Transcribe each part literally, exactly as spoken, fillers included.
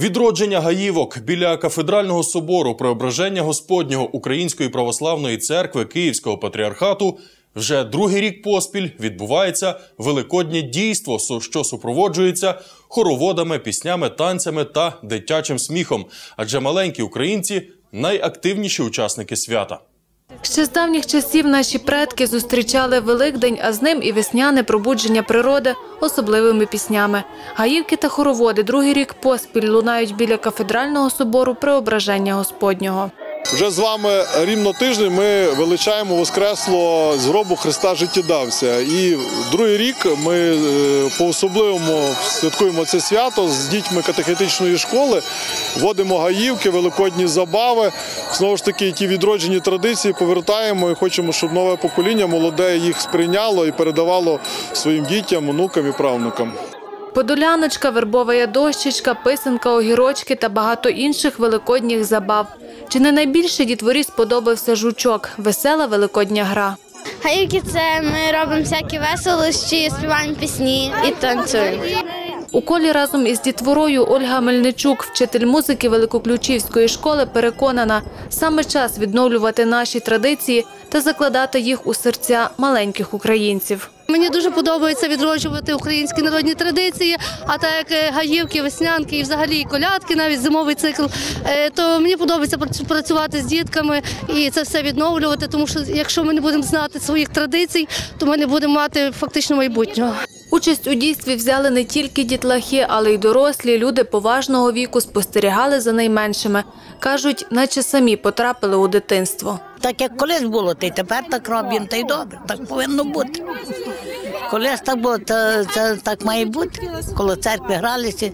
Відродження гаївок біля кафедрального собору Преображення Господнього Української Православної Церкви Київського Патріархату вже другий рік поспіль відбувається великоднє дійство, що супроводжується хороводами, піснями, танцями та дитячим сміхом. Адже маленькі українці – найактивніші учасники свята. Ще з давніх часів наші предки зустрічали Великдень, а з ним і весняне пробудження природи особливими піснями. Гаївки та хороводи другий рік поспіль лунають біля кафедрального собору Преображення Господнього. Вже з вами рівно тиждень ми величаємо Воскреслого з гробу Христа життєдавця. І другий рік ми по-особливому святкуємо це свято з дітьми катехетичної школи, водимо гаївки, великодні забави. Знову ж таки, ті відроджені традиції повертаємо і хочемо, щоб нове покоління молоде їх сприйняло і передавало своїм дітям, онукам і правнукам. Подоляночка, вербова дощечка, писанка, огірочки та багато інших великодніх забав. Чи не найбільше дітворі сподобався жучок – весела великодня гра? Гаївки – це ми робимо всякі веселощі, співаємо пісні і танцюємо. У колі разом із дітворою Ольга Мельничук, вчитель музики Великоключівської школи, переконана – саме час відновлювати наші традиції та закладати їх у серця маленьких українців. Мені дуже подобається відроджувати українські народні традиції, а так як гаївки, веснянки і взагалі колядки, навіть зимовий цикл, то мені подобається працювати з дітками і це все відновлювати, тому що якщо ми не будемо знати своїх традицій, то ми не будемо мати фактично майбутнього. Участь у дійстві взяли не тільки дітлахи, але й дорослі, люди поважного віку спостерігали за найменшими. Кажуть, наче самі потрапили у дитинство. Так як колись було, та й тепер так робимо, та й добре, так повинно бути. Колись так було, то це так має бути, коли церкви гралися.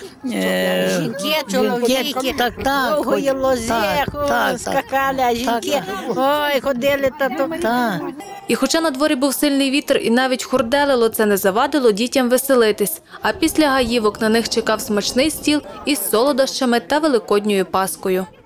Е, жінки, чоловіки, так, так, довгої лози, скакали, а жінки, ой, ходили та то. Так. І хоча на дворі був сильний вітер і навіть хурделило, це не завадило дітям веселитись. А після гаївок на них чекав смачний стіл із солодощами та великодньою паскою.